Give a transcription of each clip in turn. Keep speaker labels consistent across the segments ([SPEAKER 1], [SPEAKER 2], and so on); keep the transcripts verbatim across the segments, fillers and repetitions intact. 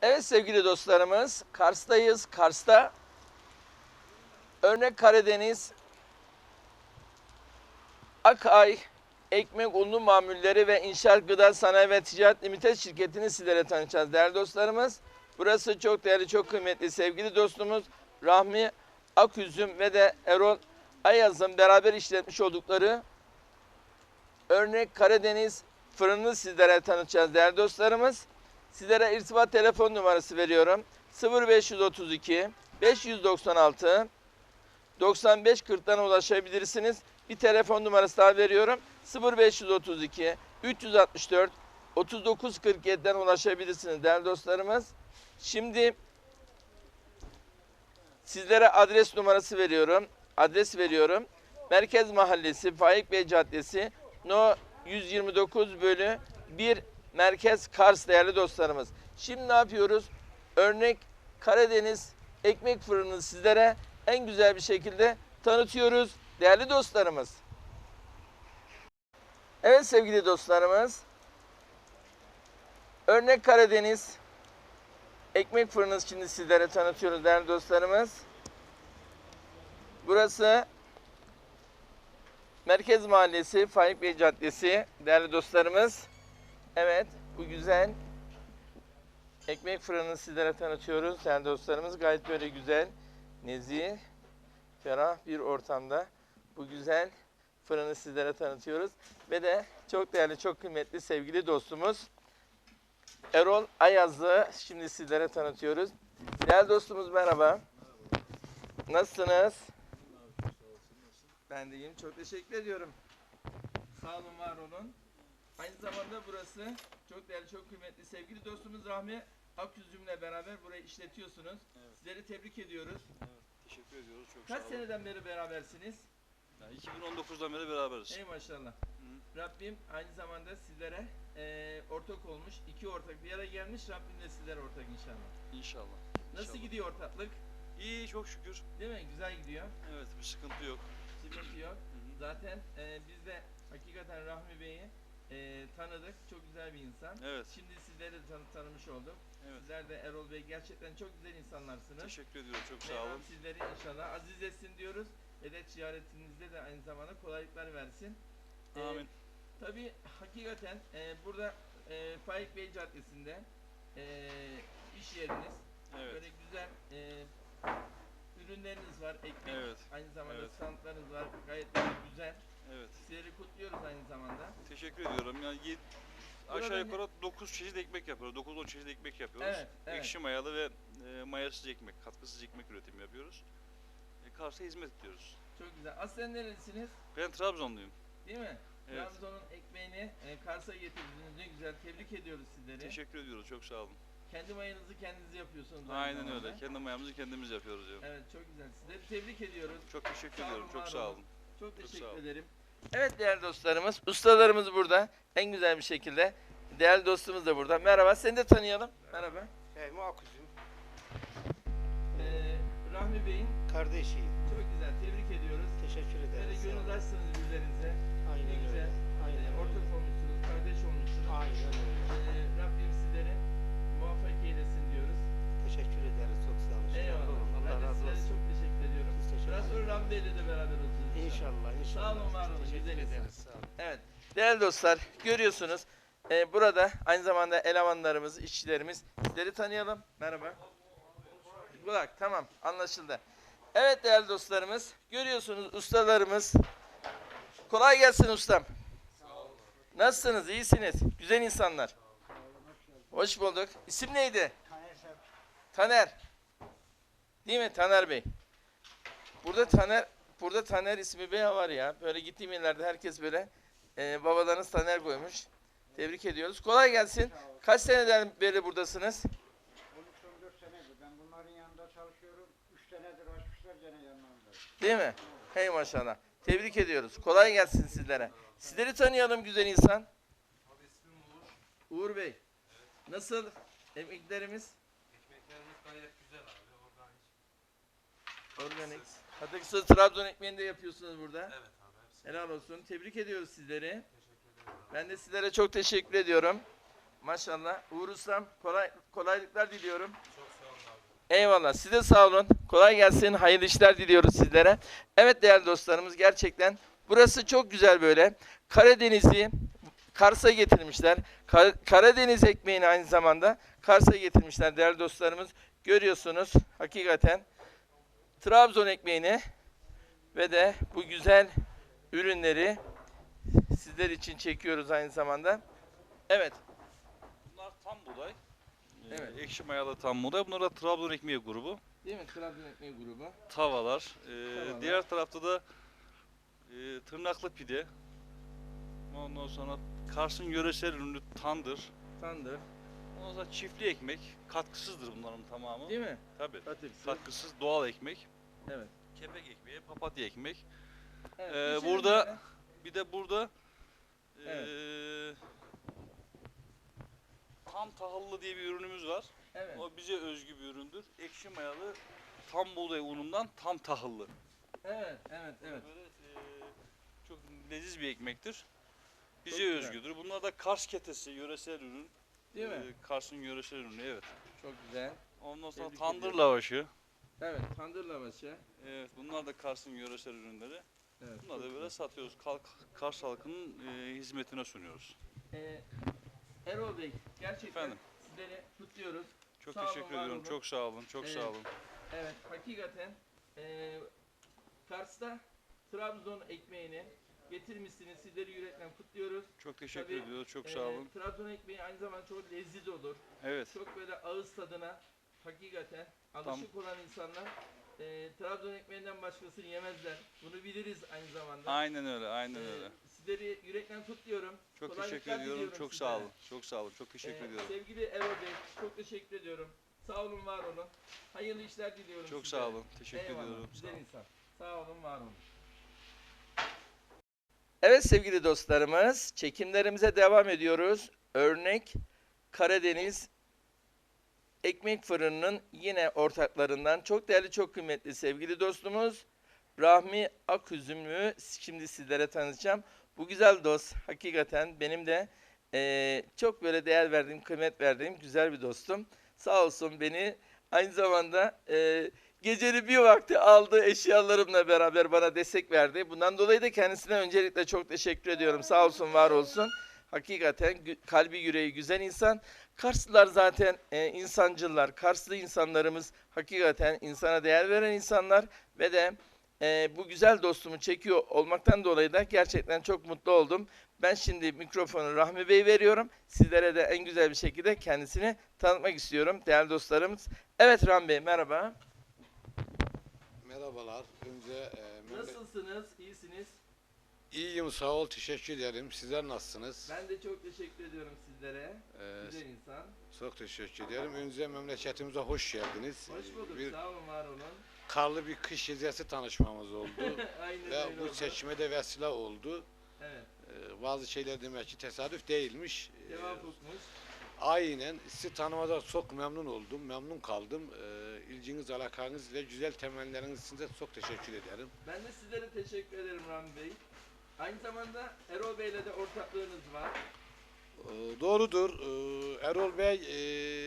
[SPEAKER 1] Evet sevgili dostlarımız, Kars'tayız. Kars'ta Örnek Karadeniz Akay Ekmek Unlu Mamulleri ve İnşaat Gıda Sanayi ve Ticaret Limited şirketini sizlere tanıtacağız değerli dostlarımız. Burası çok değerli, çok kıymetli sevgili dostumuz Rahmi Aküzüm ve de Erol Ayaz'ın beraber işletmiş oldukları Örnek Karadeniz fırını sizlere tanıtacağız değerli dostlarımız. Sizlere irtibat telefon numarası veriyorum. sıfır beş otuz iki beş doksan altı doksan beş kırk'tan ulaşabilirsiniz. Bir telefon numarası daha veriyorum. sıfır beş otuz iki üç altı dört otuz dokuz kırk yedi'den ulaşabilirsiniz değerli dostlarımız. Şimdi sizlere adres numarası veriyorum. Adres veriyorum. Merkez Mahallesi, Faik Bey Caddesi, No yüz yirmi dokuz bölü bir Merkez Kars değerli dostlarımız. Şimdi ne yapıyoruz? Örnek Karadeniz ekmek fırını sizlere en güzel bir şekilde tanıtıyoruz değerli dostlarımız. Evet sevgili dostlarımız. Örnek Karadeniz ekmek fırını şimdi sizlere tanıtıyoruz değerli dostlarımız. Burası Merkez Mahallesi, Faik Bey Caddesi değerli dostlarımız. Evet, bu güzel ekmek fırını sizlere tanıtıyoruz değerli dostlarımız. Gayet böyle güzel, nezih, ferah bir ortamda bu güzel fırını sizlere tanıtıyoruz. Ve de çok değerli, çok kıymetli sevgili dostumuz Erol Ayaz'ı şimdi sizlere tanıtıyoruz. Değerli dostumuz merhaba. Nasılsınız? Ben de iyiyim. Çok teşekkür ediyorum. Sağ olun, var olun. Aynı zamanda burası çok değerli, çok kıymetli sevgili dostumuz Rahmi Aküzüm'le beraber burayı işletiyorsunuz. Evet. Sizleri tebrik ediyoruz.
[SPEAKER 2] Evet, teşekkür ediyoruz. Çok
[SPEAKER 1] Kaç
[SPEAKER 2] sağ olun.
[SPEAKER 1] seneden beri berabersiniz?
[SPEAKER 2] Yani iki bin on dokuz'dan beri beraberiz.
[SPEAKER 1] Ey maşallah.
[SPEAKER 2] Hı.
[SPEAKER 1] Rabbim aynı zamanda sizlere e, ortak olmuş. İki ortak bir araya gelmiş. Rabbim de sizlere ortak inşallah.
[SPEAKER 2] İnşallah.
[SPEAKER 1] Nasıl
[SPEAKER 2] İnşallah.
[SPEAKER 1] gidiyor ortaklık?
[SPEAKER 2] İyi, çok şükür.
[SPEAKER 1] Değil mi? Güzel gidiyor.
[SPEAKER 2] Evet, bir sıkıntı yok.
[SPEAKER 1] Sıkıntı yok.
[SPEAKER 2] Hı hı.
[SPEAKER 1] Zaten e, biz de hakikaten Rahmi Bey'i e, tanıdık. Çok güzel bir insan.
[SPEAKER 2] Evet.
[SPEAKER 1] Şimdi sizleri de tanı tanımış olduk.
[SPEAKER 2] Evet.
[SPEAKER 1] Sizler de Erol Bey gerçekten çok güzel insanlarsınız.
[SPEAKER 2] Teşekkür ediyorum. Çok sağ
[SPEAKER 1] Mevlam
[SPEAKER 2] olun.
[SPEAKER 1] sizleri inşallah aziz etsin diyoruz. Ve de ticaretinizde de aynı zamanda kolaylıklar versin.
[SPEAKER 2] Amin.
[SPEAKER 1] Ee, tabii hakikaten e, burada e, Faik Bey Caddesi'nde e, iş yeriniz.
[SPEAKER 2] Evet.
[SPEAKER 1] Böyle güzel e, ürünleriniz var. Ekmek,
[SPEAKER 2] Evet.
[SPEAKER 1] aynı zamanda
[SPEAKER 2] Evet.
[SPEAKER 1] standlarınız var. Gayet böyle güzel.
[SPEAKER 2] Evet.
[SPEAKER 1] Sizleri kutluyoruz aynı zamanda.
[SPEAKER 2] Teşekkür ediyorum. Yani yedi,
[SPEAKER 1] Burada
[SPEAKER 2] aşağı
[SPEAKER 1] ne-
[SPEAKER 2] yukarı dokuz çeşit ekmek yapıyoruz. dokuz on çeşit ekmek yapıyoruz.
[SPEAKER 1] Evet, evet.
[SPEAKER 2] Ekşi mayalı ve e, mayasız ekmek, katkısız ekmek üretimi yapıyoruz. E, Kars'a hizmet ediyoruz.
[SPEAKER 1] Çok güzel. Aslen nerelisiniz?
[SPEAKER 2] Ben Trabzonluyum.
[SPEAKER 1] Değil mi?
[SPEAKER 2] Evet.
[SPEAKER 1] Trabzon'un ekmeğini e, Kars'a getirdiniz. Ne güzel. Tebrik ediyoruz sizleri.
[SPEAKER 2] Teşekkür ediyoruz. Çok sağ olun.
[SPEAKER 1] Kendi mayanızı kendiniz yapıyorsunuz. aynı
[SPEAKER 2] Aynen
[SPEAKER 1] zamanda.
[SPEAKER 2] öyle. Kendi mayamızı kendimiz yapıyoruz. Yani.
[SPEAKER 1] Evet, çok güzel. Sizleri tebrik ediyoruz.
[SPEAKER 2] Çok teşekkür
[SPEAKER 1] Sağ
[SPEAKER 2] ediyorum.
[SPEAKER 1] olun,
[SPEAKER 2] Çok
[SPEAKER 1] var
[SPEAKER 2] sağ
[SPEAKER 1] olun.
[SPEAKER 2] olun.
[SPEAKER 1] Çok
[SPEAKER 2] Çok
[SPEAKER 1] teşekkür
[SPEAKER 2] sağ olun.
[SPEAKER 1] ederim. Evet değerli dostlarımız, ustalarımız burada. En güzel bir şekilde. Değerli dostumuz da burada. Merhaba, seni de tanıyalım. Merhaba.
[SPEAKER 3] Fehmi Aküzüm,
[SPEAKER 1] Ee, Rahmi Bey'in
[SPEAKER 3] kardeşiyim.
[SPEAKER 1] çok güzel, tebrik ediyoruz.
[SPEAKER 3] Teşekkür
[SPEAKER 1] Böyle
[SPEAKER 3] ederiz. sağ
[SPEAKER 1] gönül
[SPEAKER 3] olun.
[SPEAKER 1] açsınız birbirlerinize.
[SPEAKER 3] Aynen
[SPEAKER 1] Ne güzel.
[SPEAKER 3] öyle. Aynen
[SPEAKER 1] Ee,
[SPEAKER 3] öyle.
[SPEAKER 1] ortak olmuşsunuz, kardeş olmuşsunuz.
[SPEAKER 3] Aynen öyle.
[SPEAKER 1] Ee, Rabbim sizleri muvaffak eylesin diyoruz.
[SPEAKER 3] Teşekkür ederiz. Çok sağ olun.
[SPEAKER 1] Eyvallah.
[SPEAKER 3] Allah
[SPEAKER 1] Ben de
[SPEAKER 3] razı
[SPEAKER 1] sizlere
[SPEAKER 3] olsun.
[SPEAKER 1] çok teşekkür ediyorum.
[SPEAKER 3] Biz teşekkür
[SPEAKER 1] Biraz sonra
[SPEAKER 3] ederiz.
[SPEAKER 1] Rahmi Bey'le de beraber olacağız.
[SPEAKER 3] İnşallah, inşallah.
[SPEAKER 1] Sağ olun, var olun.
[SPEAKER 3] Teşekkür
[SPEAKER 1] Güzel insan.
[SPEAKER 3] ederiz. Sağ olun.
[SPEAKER 1] Evet. Değerli dostlar, görüyorsunuz. Ee, burada aynı zamanda elemanlarımız, işçilerimiz. Sizleri tanıyalım. Merhaba. Kulak, tamam, anlaşıldı. Evet değerli dostlarımız, görüyorsunuz ustalarımız. Kolay gelsin ustam. Nasılsınız? İyisiniz. Güzel insanlar. Hoş bulduk. İsim neydi? Taner. Değil mi Taner Bey? Burada Taner, burada Taner ismi bey var ya. Böyle gittiğim yerlerde herkes böyle e, babalarınız Taner koymuş. Tebrik ediyoruz. Kolay gelsin. Kaç seneden beri buradasınız?
[SPEAKER 4] on üç on dört senedir. Ben bunların yanında çalışıyorum. üç senedir açmışlar gene yanlarında.
[SPEAKER 1] Değil mi? Hey maşallah. Tebrik ediyoruz. Kolay gelsin sizlere. Sizleri tanıyalım güzel insan.
[SPEAKER 5] Abi ismim Uğur.
[SPEAKER 1] Uğur Bey. Nasıl emeklerimiz?
[SPEAKER 5] Ekmeklerimiz gayet güzel abi. Organik.
[SPEAKER 1] Organik. Katıksız Trabzon ekmeğini de yapıyorsunuz burada.
[SPEAKER 5] Evet abi hepsi.
[SPEAKER 1] Helal olsun. Tebrik ediyoruz sizleri.
[SPEAKER 5] Teşekkür ederim abi.
[SPEAKER 1] Ben de sizlere çok teşekkür ediyorum. Maşallah. Uğur Ustam kolay, kolaylıklar diliyorum.
[SPEAKER 5] Çok sağ olun abi.
[SPEAKER 1] Eyvallah. Size sağ olun. Kolay gelsin. Hayırlı işler diliyoruz sizlere. Evet değerli dostlarımız, gerçekten burası çok güzel böyle. Karadeniz'i Kars'a getirmişler. Kar- Karadeniz ekmeğini aynı zamanda Kars'a getirmişler değerli dostlarımız. Görüyorsunuz hakikaten Trabzon ekmeğini ve de bu güzel ürünleri sizler için çekiyoruz aynı zamanda. Evet.
[SPEAKER 2] Bunlar tam buğday. Ee,
[SPEAKER 1] Evet.
[SPEAKER 2] Ekşi mayalı tam buğday. Bunlar da Trabzon ekmeği grubu.
[SPEAKER 1] Değil mi? Trabzon ekmeği grubu.
[SPEAKER 2] Tavalar. Ee,
[SPEAKER 1] Tavalar.
[SPEAKER 2] Diğer tarafta da e, tırnaklı pide. Ondan sonra Kars'ın yöresel ürünü tandır.
[SPEAKER 1] Tandır.
[SPEAKER 2] Ondan sonra çiftli ekmek. Katkısızdır bunların tamamı.
[SPEAKER 1] Değil mi?
[SPEAKER 2] Tabii.
[SPEAKER 1] Katıksız.
[SPEAKER 2] Katkısız doğal ekmek.
[SPEAKER 1] Evet.
[SPEAKER 2] Kepek ekmeği, papatya ekmek.
[SPEAKER 1] Evet,
[SPEAKER 2] Ee,
[SPEAKER 1] geçelim
[SPEAKER 2] burada-
[SPEAKER 1] böyle.
[SPEAKER 2] Bir de burada
[SPEAKER 1] Evet.
[SPEAKER 2] eee, tam tahıllı diye bir ürünümüz var.
[SPEAKER 1] Evet.
[SPEAKER 2] O bize özgü bir üründür. Ekşi mayalı tam buğday unundan tam tahıllı.
[SPEAKER 1] Evet, evet, evet.
[SPEAKER 2] Böyle eee, çok leziz bir ekmektir. Bize
[SPEAKER 1] Çok güzel.
[SPEAKER 2] özgüdür. Bunlar da Kars ketesi, yöresel ürün.
[SPEAKER 1] Değil mi?
[SPEAKER 2] Eee, Kars'ın yöresel ürünü, evet.
[SPEAKER 1] Çok güzel.
[SPEAKER 2] Ondan sonra
[SPEAKER 1] Tebrik
[SPEAKER 2] tandır
[SPEAKER 1] ediyorum.
[SPEAKER 2] lavaşı.
[SPEAKER 1] Evet, tandır lavaşı.
[SPEAKER 2] Evet, bunlar da Kars'ın yöresel ürünleri.
[SPEAKER 1] Evet.
[SPEAKER 2] Bunları
[SPEAKER 1] çok
[SPEAKER 2] da böyle satıyoruz. Kalk, Kars halkının eee, hizmetine sunuyoruz.
[SPEAKER 1] Ee, Erol Bey, gerçekten
[SPEAKER 2] Efendim?
[SPEAKER 1] sizleri kutluyoruz.
[SPEAKER 2] Çok
[SPEAKER 1] Sağ olun,
[SPEAKER 2] teşekkür
[SPEAKER 1] var
[SPEAKER 2] ediyorum.
[SPEAKER 1] olun.
[SPEAKER 2] Çok sağ olun. Çok
[SPEAKER 1] Evet.
[SPEAKER 2] sağ olun.
[SPEAKER 1] Evet, hakikaten ee, Kars'ta Trabzon ekmeğini getirmişsiniz. Sizleri yürekten kutluyoruz.
[SPEAKER 2] Çok teşekkür
[SPEAKER 1] Tabii,
[SPEAKER 2] ediyoruz. Çok
[SPEAKER 1] Ee,
[SPEAKER 2] sağ olun.
[SPEAKER 1] Trabzon ekmeği aynı zamanda çok lezzetli olur.
[SPEAKER 2] Evet.
[SPEAKER 1] Çok böyle ağız tadına hakikaten alışık olan insanlar ee, Trabzon ekmeğinden başkasını yemezler. Bunu biliriz aynı zamanda.
[SPEAKER 2] Aynen öyle. Aynen
[SPEAKER 1] Ee,
[SPEAKER 2] öyle.
[SPEAKER 1] Sizleri yürekten kutluyorum.
[SPEAKER 2] Çok
[SPEAKER 1] kolaylıklar
[SPEAKER 2] teşekkür ediyorum.
[SPEAKER 1] diliyorum
[SPEAKER 2] Çok
[SPEAKER 1] sizlere.
[SPEAKER 2] sağ olun. Çok sağ olun. Çok teşekkür
[SPEAKER 1] Ee,
[SPEAKER 2] ediyorum.
[SPEAKER 1] Sevgili Erol Bey, çok teşekkür ediyorum. Sağ olun, var olun. Hayırlı işler diliyorum
[SPEAKER 2] Çok
[SPEAKER 1] sizlere.
[SPEAKER 2] sağ olun. Teşekkür
[SPEAKER 1] Eyvallah,
[SPEAKER 2] ediyorum. Sağ
[SPEAKER 1] güzel
[SPEAKER 2] olun.
[SPEAKER 1] insan. Sağ olun, var olun. Evet sevgili dostlarımız, çekimlerimize devam ediyoruz. Örnek Karadeniz Ekmek Fırını'nın yine ortaklarından çok değerli, çok kıymetli sevgili dostumuz Rahmi Aküzümlü şimdi sizlere tanıtacağım. Bu güzel dost hakikaten benim de eee, çok böyle değer verdiğim, kıymet verdiğim güzel bir dostum. Sağ olsun beni aynı zamanda eee gecenin bir vakti aldı eşyalarımla beraber bana destek verdi. Bundan dolayı da kendisine öncelikle çok teşekkür ediyorum. Sağ olsun, var olsun. Hakikaten gü- kalbi yüreği güzel insan. Karslılar zaten e, insancıllar. Karslı insanlarımız hakikaten insana değer veren insanlar ve de e, bu güzel dostumu çekiyor olmaktan dolayı da gerçekten çok mutlu oldum. Ben şimdi mikrofonu Rahmi Bey veriyorum. Sizlere de en güzel bir şekilde kendisini tanıtmak istiyorum değerli dostlarımız. Evet Rahmi Bey, merhaba.
[SPEAKER 6] Merhabalar. Önce e, memle-
[SPEAKER 1] Nasılsınız? İyisiniz?
[SPEAKER 6] iyiyim, sağ ol, teşekkür ederim. Sizler nasılsınız?
[SPEAKER 1] Ben de çok teşekkür ediyorum sizlere.
[SPEAKER 6] Ee,
[SPEAKER 1] Güzel insan.
[SPEAKER 6] çok teşekkür ederim. Önce memleketimize hoş geldiniz.
[SPEAKER 1] Hoş
[SPEAKER 6] Ee,
[SPEAKER 1] bulduk.
[SPEAKER 6] Bir
[SPEAKER 1] Sağ olun, var olun.
[SPEAKER 6] karlı bir kış gecesi tanışmamız oldu.
[SPEAKER 1] Aynen
[SPEAKER 6] Ve
[SPEAKER 1] öyle
[SPEAKER 6] bu
[SPEAKER 1] oldu.
[SPEAKER 6] seçime de vesile oldu.
[SPEAKER 1] Evet.
[SPEAKER 6] Ee, bazı şeyler demek ki tesadüf değilmiş. Ee,
[SPEAKER 1] Cevap okumuş.
[SPEAKER 6] aynen. Sizi tanımada çok memnun oldum. Memnun kaldım. Ee, ilginiz, alakanız ile güzel temelleriniz için de çok teşekkür ederim.
[SPEAKER 1] Ben de sizlere teşekkür ederim Rami Bey. Aynı zamanda Erol Bey'le de ortaklığınız var.
[SPEAKER 6] Ee, Doğrudur. Ee, Erol Bey e,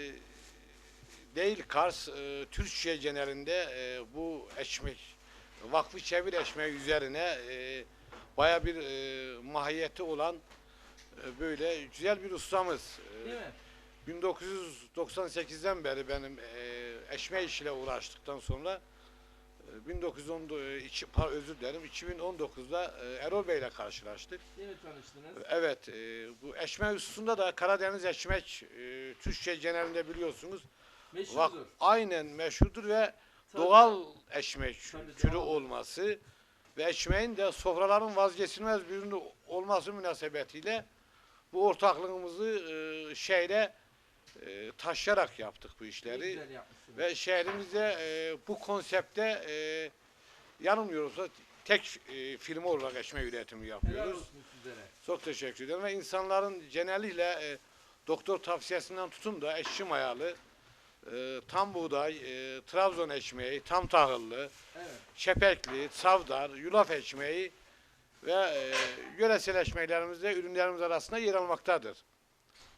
[SPEAKER 6] değil Kars, e, Türkiye genelinde e, bu ekmek, vakfı çevir ekmeği üzerine e, baya bir e, mahiyeti olan e, böyle güzel bir ustamız. E,
[SPEAKER 1] Değil mi?
[SPEAKER 6] bin dokuz yüz doksan sekizden beri benim e, ekmek işiyle uğraştıktan sonra e, bin dokuz yüz on iki, par- özür dilerim, iki bin on dokuzda e, Erol Bey ile karşılaştık.
[SPEAKER 1] Değil mi tanıştınız?
[SPEAKER 6] Evet, e, bu ekmek hususunda da Karadeniz ekmek e, Türkiye genelinde biliyorsunuz. Vak,
[SPEAKER 1] Meşhurdur.
[SPEAKER 6] aynen meşhurdur ve
[SPEAKER 1] Tabii.
[SPEAKER 6] doğal ekmek
[SPEAKER 1] Tabii,
[SPEAKER 6] türü
[SPEAKER 1] doğal.
[SPEAKER 6] olması ve ekmeğin de sofraların vazgeçilmez bir ürünü olması münasebetiyle bu ortaklığımızı e, şehre e, taşıyarak yaptık bu
[SPEAKER 1] Ne
[SPEAKER 6] işleri.
[SPEAKER 1] güzel yapmışsınız.
[SPEAKER 6] Ve şehrimizde e, bu konsepte e, yanılmıyorsa tek e, firma olarak ekmek üretimi
[SPEAKER 1] Helal
[SPEAKER 6] yapıyoruz.
[SPEAKER 1] olsun sizlere.
[SPEAKER 6] Çok teşekkür ederim ve insanların genellikle e, doktor tavsiyesinden tutun da ekşi mayalı, e, tam buğday, e, Trabzon ekmeği, tam tahıllı,
[SPEAKER 1] Evet.
[SPEAKER 6] şepekli, savdar, yulaf ekmeği ve e, yöresel ekmeklerimizde ürünlerimiz arasında yer almaktadır.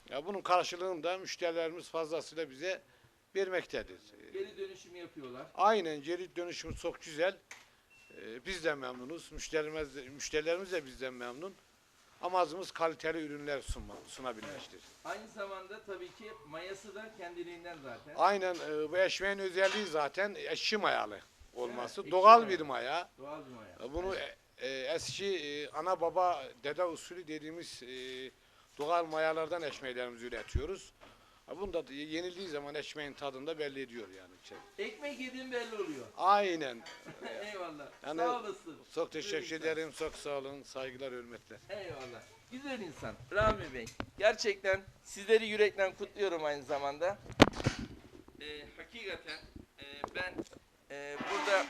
[SPEAKER 6] Ya bunun karşılığını da müşterilerimiz fazlasıyla bize vermektedir.
[SPEAKER 1] Geri dönüşüm yapıyorlar.
[SPEAKER 6] Aynen, geri dönüşümüz çok güzel. Ee, biz de memnunuz. Müşterimiz de, müşterilerimiz de bizden memnun. Amacımız kaliteli ürünler sunma, sunabilmektir.
[SPEAKER 1] Aynı zamanda tabii ki mayası da kendiliğinden zaten.
[SPEAKER 6] Aynen, e, bu eşmeğin özelliği zaten ekşi mayalı olması.
[SPEAKER 1] Evet, ekşi
[SPEAKER 6] Doğal
[SPEAKER 1] mayalı.
[SPEAKER 6] bir maya.
[SPEAKER 1] Doğal bir maya.
[SPEAKER 6] E, Bunu e, e, eski e, ana baba dede usulü dediğimiz e, doğal mayalardan eşmeklerimizi üretiyoruz. Ha, bunu da yenildiği zaman eşmeğin tadında belli ediyor yani.
[SPEAKER 1] Ekmek yediğin belli oluyor.
[SPEAKER 6] Aynen.
[SPEAKER 1] Eyvallah.
[SPEAKER 6] Yani-
[SPEAKER 1] Sağ olasın.
[SPEAKER 6] Çok teşekkür
[SPEAKER 1] Güzel insan.
[SPEAKER 6] ederim. Çok sağ olun. Saygılar, hürmetler.
[SPEAKER 1] Eyvallah. Güzel insan. Rahmi Bey. Gerçekten sizleri yürekten kutluyorum aynı zamanda. Ee, hakikaten e, ben e, burada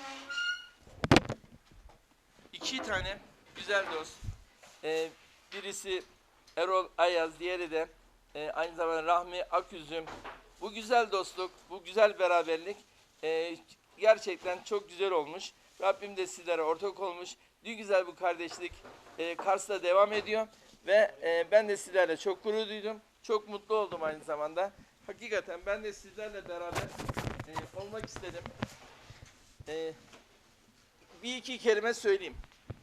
[SPEAKER 1] iki tane güzel dost. Ee, birisi Erol Ayaz, diğeri de e, aynı zamanda Rahmi Aküzüm. Bu güzel dostluk, bu güzel beraberlik e, gerçekten çok güzel olmuş. Rabbim de sizlere ortak olmuş. Ne güzel bu kardeşlik e, Kars'ta devam ediyor. Ve e, ben de sizlerle çok gurur duydum. Çok mutlu oldum aynı zamanda. Hakikaten ben de sizlerle beraber e, olmak istedim. E, bir iki kelime söyleyeyim.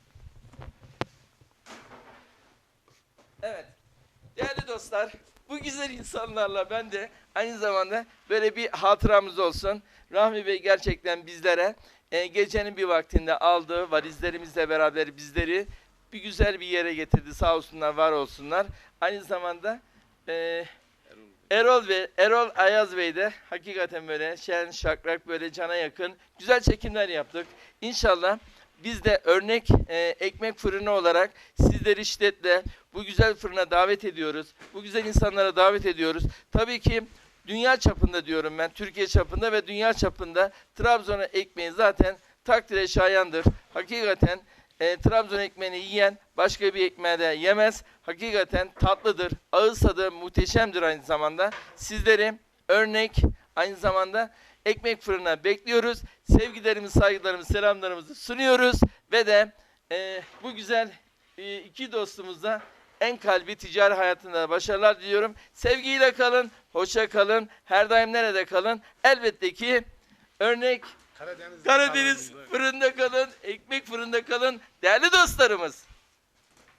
[SPEAKER 1] Evet. Değerli dostlar, bu güzel insanlarla ben de aynı zamanda böyle bir hatıramız olsun. Rahmi Bey gerçekten bizlere e, gecenin bir vaktinde aldı, valizlerimizle beraber bizleri bir güzel bir yere getirdi. Sağ olsunlar, var olsunlar. Aynı zamanda e, Erol ve Erol Ayaz Bey de hakikaten böyle şen, şakrak, böyle cana yakın güzel çekimler yaptık. İnşallah biz de örnek e, ekmek fırını olarak sizleri şiddetle bu güzel fırına davet ediyoruz. Bu güzel insanlara davet ediyoruz. Tabii ki dünya çapında diyorum ben, Türkiye çapında ve dünya çapında Trabzon ekmeği zaten takdire şayandır. Hakikaten e, Trabzon ekmeğini yiyen başka bir ekmeği de yemez. Hakikaten tatlıdır, ağız tadı muhteşemdir aynı zamanda. Sizleri örnek aynı zamanda ekmek fırına bekliyoruz. Sevgilerimizi, saygılarımızı, selamlarımızı sunuyoruz. Ve de e, bu güzel e, iki dostumuza en kalbi ticari hayatında başarılar diliyorum. Sevgiyle kalın, hoşça kalın, her daim nerede kalın? Elbette ki örnek
[SPEAKER 6] Karadeniz,
[SPEAKER 1] Karadeniz fırında kalın, ekmek fırında kalın değerli dostlarımız.